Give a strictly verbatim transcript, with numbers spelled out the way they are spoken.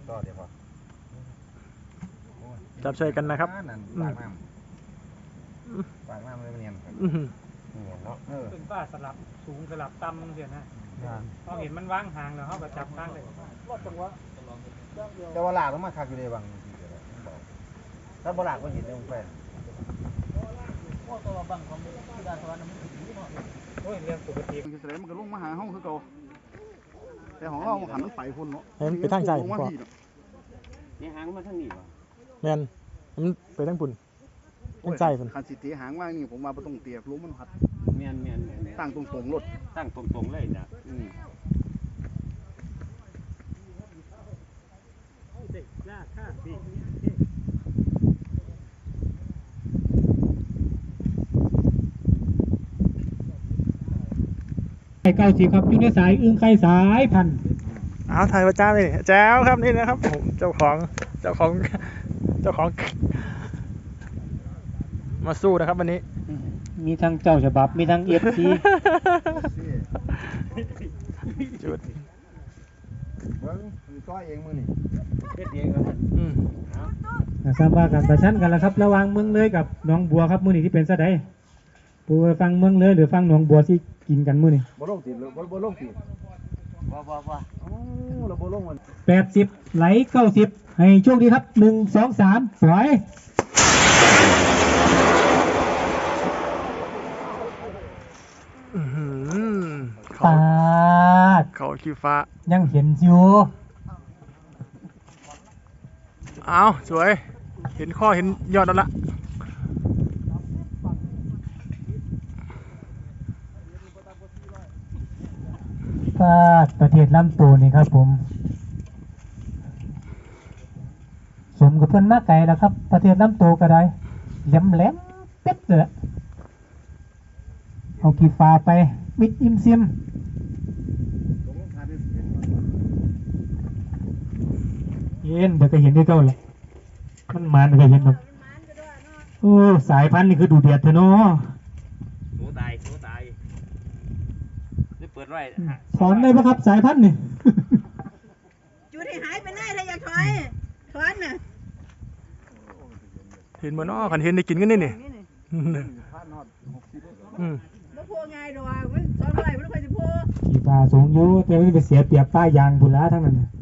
ต่อเดี๋ยวพอจับใช้กันนะครับปากน้ำปากน้ำเลยเนียนเนียนเนาะเป็นป้าสลับสูงสลับต่ำเสียนะเราเห็นมันวางห่างแล้วเขาก็จับข้างเลยรอดจังหวะแต่ว่าหลากต้องมาคักอยู่ในบางถ้าบ่หลากก็เห็นในวงแฟนโอ้ตัวบังของที่ดาสวรรค์มันถึงนี่เนาะโอ้ยเรื่องปกติมันจะแสดงมันก็ลงมาหาห้องคือเก่าแต่ของเราหันมันไปพุ่นเนาะเห็นไปทางใจก่อนนี่หางมาทางนี้ป่ะแมนมันไปทางปุ่นทางใจปุ่นคันสิเตียหางว่างนี่ผมมาประตงเตียล้มมันหัดเมียนเมียนตั้งตรงตรงรถตั้งตรงตรงเลยนะอืมไข่เก้าสิบครับอยู่ในสายอึ้งไข่สายพันเอาถ่ายประจานเลยแจ้วครับนี่นะครับผมเจ้าของเจ้าของเจ้าของมาสู้นะครับวันนี้มีทั้งเจ้าฉบับมีทั้งเอฟซีจุดเบิ้งต้อยเองมือนี่เฮ็ดเองครับอืมทราบว่ากันประชันกันแล้วครับระหว่างเมืองเลยกับหนองบัวครับมื้อนี้ที่เป็นซะใดปูฟังเมืองเลยหรือฟังหนองบัวที่กินกันมื้อนี้บ่ลงติดบ่บ่ลงติดบ่บ่บ่อ๋อเราบ่ลงมันแปดสิบไหลเก้าสิบให้โชคดีครับหนึ่งสองสามปล่อยเขาเขาขี้ฟ้ายังเห็นอยู่เอาสวยเห็นข้อเห็นยอดแล้วละก็ประเทศลำตูนี่ครับผมสมกับเพื่อนมากไก่แล้วครับประเทศลำตูก็ได้แหลมแหลมเป็ดเลยเอากีฟ้าไปมิดอิมซิมเย็นเดี๋ยวก็เห็นได้เท่าเลยมันมันก็เห็นแบบโอ้สายพันธุ์นี่คือดูเดือดเถอะเนาะหนูตายหนูตายนี่เปิดไว้ถอนได้ปะครับสายพันธุ์นี่จุดให้หายไปเลยถ้าอยากถอยถอนน่ะเห็นมันอ้อขันเห็นได้กินกันนี่นี่อืมบ่โพง่ายดอกมันสองร้อยมันค่อยสิโพขี่ปลาสูงอยู่แต่มันไปเสียเปรียบป้ายยางบุญละทั้งนั้น